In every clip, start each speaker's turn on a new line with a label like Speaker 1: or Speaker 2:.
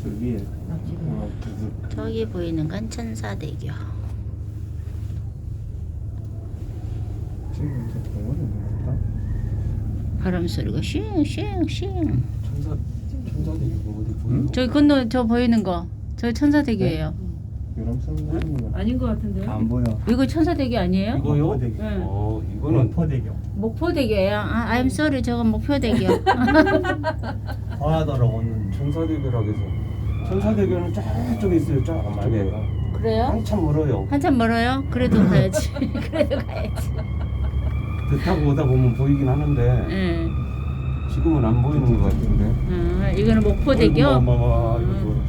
Speaker 1: 저기
Speaker 2: 저기 보이는 건 천사대교.
Speaker 1: 지금 저 공원이 뭐였다?
Speaker 2: 바람 소리가 쉥쉥쉥.
Speaker 1: 천사대교 어디 보여?
Speaker 2: 저기 건너 저 보이는 거. 저 천사대교예요.
Speaker 1: 유람선 같은 거
Speaker 3: 아닌 것 같은데요?
Speaker 1: 안 보여.
Speaker 2: 이거 천사대교 아니에요?
Speaker 4: 이거요?
Speaker 1: 목포대교.
Speaker 2: 응.
Speaker 4: 이거는
Speaker 1: 목포대교.
Speaker 2: 목포대교예요. 아, I'm sorry. 저건 목표대교.
Speaker 1: 바다로 오는
Speaker 4: 천사대교라고 해서 천사대교는 저쪽에 있어요. 저쪽에
Speaker 2: 그래요?
Speaker 4: 한참 멀어요.
Speaker 2: 한참 멀어요? 그래도 가야지. 그래도 가야지.
Speaker 4: 배 타고 오다 보면 보이긴 하는데
Speaker 2: 응.
Speaker 4: 지금은 안 보이는 것 같은데.
Speaker 2: 이거는 목포대교.
Speaker 4: 어마어마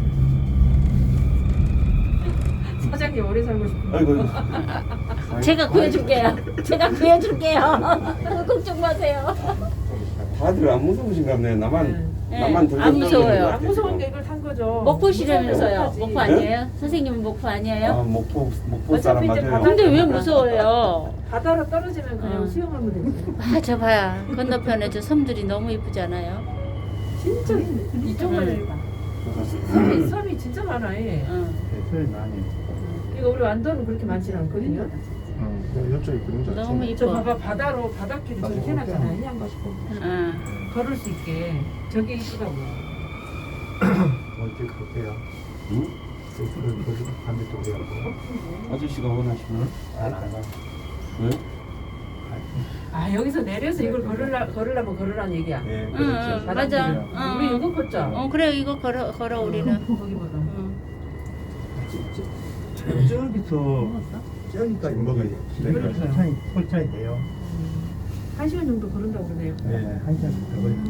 Speaker 3: 사장님 오래 살고 싶어요.
Speaker 4: 아이고.
Speaker 2: 제가 구해줄게요. 제가 구해줄게요. 걱정 마세요.
Speaker 4: 다들 안 무서우신가 보네. 나만
Speaker 2: 네.
Speaker 4: 나만 덜
Speaker 2: 안 무서워요.
Speaker 3: 안 무서운 게 이걸 탄 거죠.
Speaker 2: 목포시라면서요.
Speaker 3: 무서운
Speaker 2: 목포
Speaker 3: 거지.
Speaker 2: 아니에요? 선생님은 목포 아니에요?
Speaker 4: 아, 목포 사람
Speaker 3: 어차피 이제
Speaker 4: 맞아요.
Speaker 2: 근데 왜 무서워요?
Speaker 3: 바다로 떨어지면 그냥
Speaker 2: 어.
Speaker 3: 수영하면 되지.
Speaker 2: 아, 저 봐요. 건너편에 저 섬들이 너무 이쁘지 않아요?
Speaker 3: 진짜 이쪽만 해봐. 섬이 진짜 많아. 얘.
Speaker 2: 응.
Speaker 1: 배터리 많이.
Speaker 3: 이거 우리 완도는 그렇게 많지 않거든요.
Speaker 1: 이쪽에 그런 거
Speaker 2: 너무
Speaker 3: 저
Speaker 2: 이뻐.
Speaker 3: 봐봐 바다로 바닷길이 저렇게 해놨잖아요. 그냥
Speaker 2: 응.
Speaker 3: 걸을 수 있게 저게 이쁘다고.
Speaker 1: 어디 그렇게요?
Speaker 4: 응?
Speaker 1: 세트를 거기 반대쪽에 하고.
Speaker 4: 아저씨가 원하시면
Speaker 1: 안 가.
Speaker 4: 왜?
Speaker 3: 아 여기서 내려서 이걸 걸으려면 걸으라는 얘기야.
Speaker 1: 예,
Speaker 2: 응,
Speaker 1: 그렇죠.
Speaker 2: 응, 맞아.
Speaker 3: 우리 이거 걷자.
Speaker 2: 그래, 이거 걸어, 우리는.
Speaker 3: 거기보다.
Speaker 2: 응.
Speaker 1: 저기서 저기까지 먹어야 돼. 그러니까 천천히 돼요.
Speaker 3: 1시간 정도 걸은다고 그러네요.
Speaker 1: 네, 한 시간 더 걸려.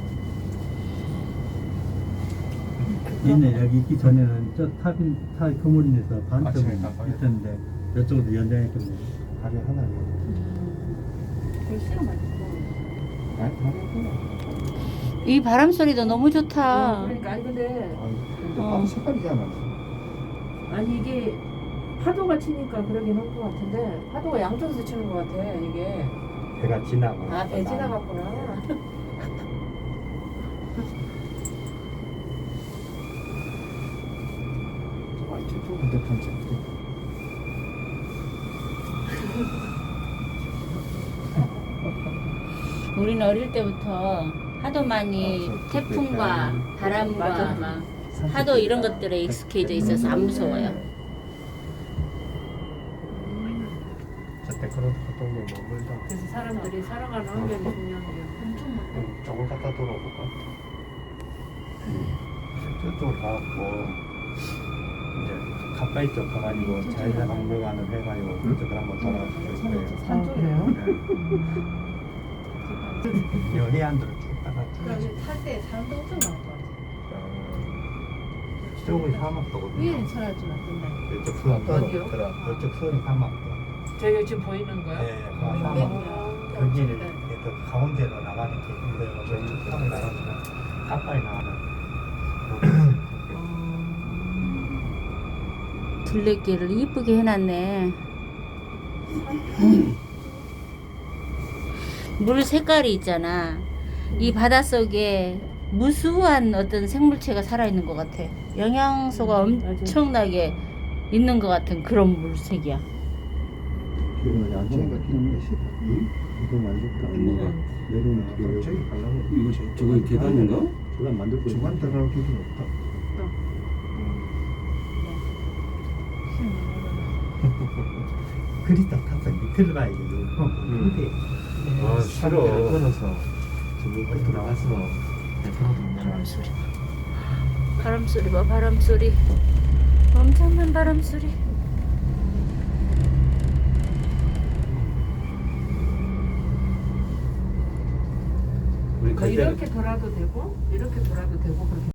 Speaker 1: 있네. 여기 있기 전에는 저 탑 건물인에서 반쪽은 있었는데 이쪽으로 연장했거든요. 다리 하나요.
Speaker 2: 이 바람 소리도 너무 좋다.
Speaker 3: 그러니까 아니 근데
Speaker 1: 바로 색깔이잖아.
Speaker 3: 아니 이게 파도가 치니까 그러긴 한 것 같은데 파도가 양쪽에서 치는 것 같아 이게.
Speaker 1: 배가 지나고.
Speaker 3: 아 배 지나갔구나.
Speaker 2: 우리는 어릴 때부터 하도 많이 태풍과 바람과
Speaker 3: 맞아.
Speaker 2: 막 하도 이런 것들에 익숙해져 있어서 안 무서워요.
Speaker 1: 저때 그런 갔다 오면 너무 멀다.
Speaker 3: 그래서 사람들이 살아가는 환경이 중요한 거야.
Speaker 1: 저걸 갖다 돌아볼까? 저쪽으로 가갖고 이제 가까이 쪽 가가지고 자연사 박물관을 해가지고 그쪽을 한번 돌아볼 거예요.
Speaker 3: 산 쪽이에요?
Speaker 1: 이 해안도로 쭉 따가.
Speaker 5: 탈때 사람도 엄청 많을 것 같아.
Speaker 1: 저쪽이 사막도거든요.
Speaker 5: 위에는 천할 줄 알았던데.
Speaker 1: 이쪽 수원도
Speaker 3: 어디요?
Speaker 1: 이쪽 수원이 사막도.
Speaker 3: 저기 지금 보이는 거야?
Speaker 1: 네, 그 사막. 거기를 그 가운데로 나가는 길인데요. 저희 산에 나가면 가까이 나가는.
Speaker 2: 둘레길을 이쁘게 해놨네. 물 색깔이 있잖아. 이 바닷속에 무수한 어떤 생물체가 살아있는 것 같아. 영양소가 엄청나게 있는 것 같은 그런 물색이야.
Speaker 1: 이건 안 좋은 거 이건 안 좋다.
Speaker 4: 뭐가?
Speaker 1: 내려오는 길. 저기 가려면
Speaker 4: 이거 저거 계단인가?
Speaker 1: 계단 만들고 중간 들어갈 길은 없다. 그리다 가서 밑으로 가야 돼. 근데
Speaker 4: 아, 싫어.
Speaker 1: 끊어서 저기 끝으로 나가서
Speaker 2: 바람 소리. 바람 소리 봐, 바람 소리. 엄청난 바람 소리.
Speaker 4: 우리 갈 때는
Speaker 3: 이렇게 돌아도 되고 이렇게 돌아도 되고 그렇게.